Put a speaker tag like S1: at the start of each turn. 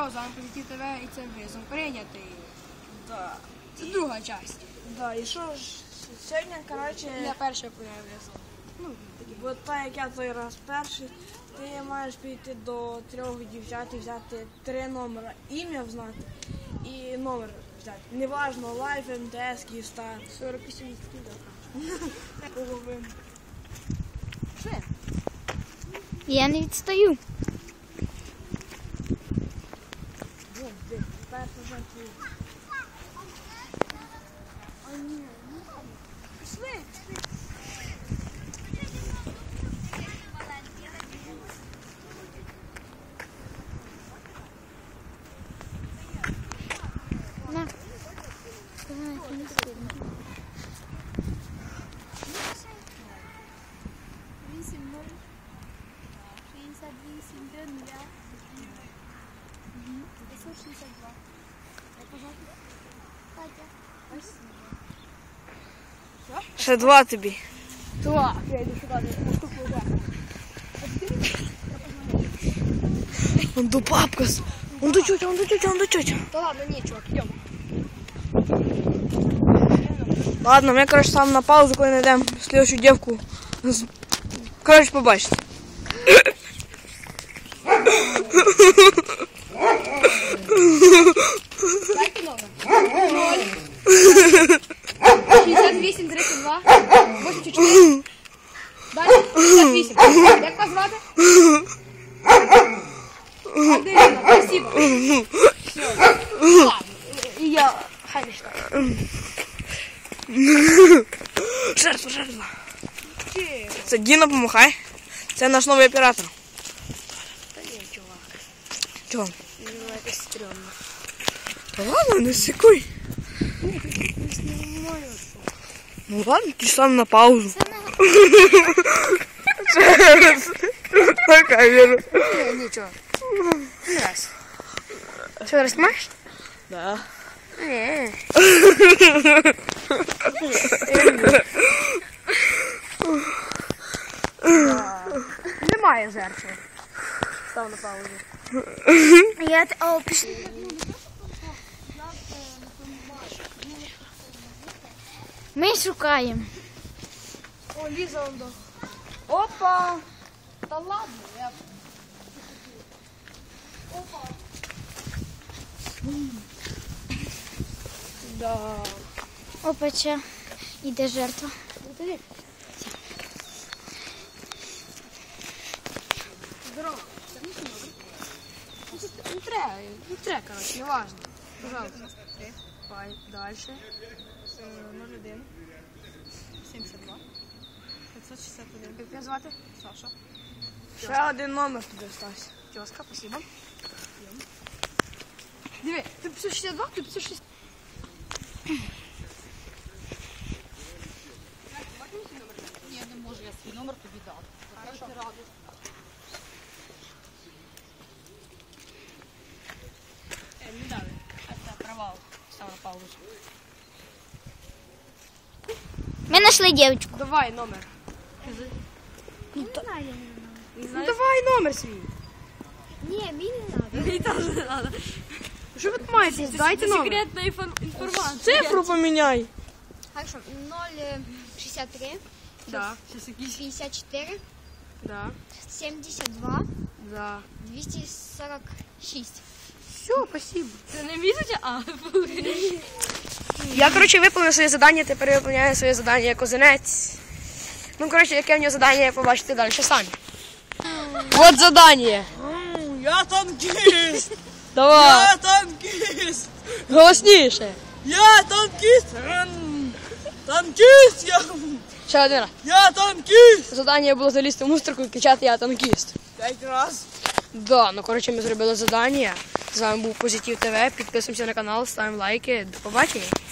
S1: З вами Позитив ТВ і це визов прийнятий.
S2: Да.
S1: Це друга частина.
S2: Да, і що ж, сьогодні, коротше,
S1: Я перша появився. Ну,
S2: бо так як я той раз перший, ти маєш піти до 3 дівчат і взяти 3 номера, ім'я знати і номер взяти. Неважно, Лайф, МТС, Київстар.
S1: 48 відсотків добре.
S2: Половину.
S1: Все.
S3: Я не відстаю.
S2: Вон, де, перша вже твій. А ні, ну ладно. Пішли.
S3: На.
S1: 8-0.
S2: Ще 2 тобі.
S1: Так, я йду шукати наступну удар.
S2: Он до папка. Он до тетя, он до тетя, он до тетя.
S1: Та ладно, ні, чувак, йдемо.
S2: Ладно, ми, коротше, сам на паузу, коли знайдемо слідчу дівку. Коротше, побачите.
S1: Дайте номер. 68, 32, 84. Далі 68. Як вас звати? Аделіна, спасибо. Все. Ладно. І я хай не читаю.
S2: Жертва, жертва. Це Діна, помахай. Це наш новий оператор.
S1: Та ні, чувак.
S2: Чого?
S1: Ну, це стрьомно.
S2: Та ладно, не сикуй. Ну ладно, ти сам на паузу. На камеру.
S1: Ні, чувак. Не раз. Що, раз маєш?
S2: Да.
S1: Ні. Немає жертви. Став на паузу.
S3: Я... О, пішли. Ми шукаємо.
S1: О, Ліза, он до. Опа! Та ладно, я... Опа! Да.
S3: Опача. Іде жертва.
S1: Іди. Здорово. Не треба, короче, не важно. Пожалуйста. Пай, дальше. 01. 72. 561. Як тебе звати? Саша.
S2: Ще один номер тобі остався.
S1: Тезка, спасибо. Диви, ти 562, ти 560.
S4: Я не можу, я свій номер тобі дав. Хорошо.
S1: Не дали. Це провал. Став на паузу.
S3: Ми знайшли дівчинку.
S1: Давай номер.
S3: Не знаю.
S1: Ну давай номер свій.
S3: Ні, мені не треба.
S1: Мені теж не треба. Що ви тут маєте? Дайте номер.
S4: Секретна інформація.
S2: Цифру поміняй.
S3: Хорошо. 063,
S1: Да. Сейчас якісь.
S3: 54,
S1: Да.
S3: 72,
S1: Да.
S3: 246.
S1: Все, спасибо.
S4: Це не місяця, а
S2: Я, коротше, виповнив своє завдання, тепер виповняю своє завдання як озинець. Ну, коротше, яке в нього завдання, побачите далі самі. Вот завдання.
S5: Я танкіст!
S2: Давай,
S5: Я танкіст!
S2: голосніше.
S5: Я танкіст! Танкіст!
S2: Ще один раз.
S5: Я танкіст!
S2: Завдання було залізти в мусорку і кричати «Я танкіст».
S5: 5 раз.
S2: Да, ну, коротше, ми зробили завдання. З вами був Позитив ТВ. Підписуємося на канал, ставимо лайки. До побачення.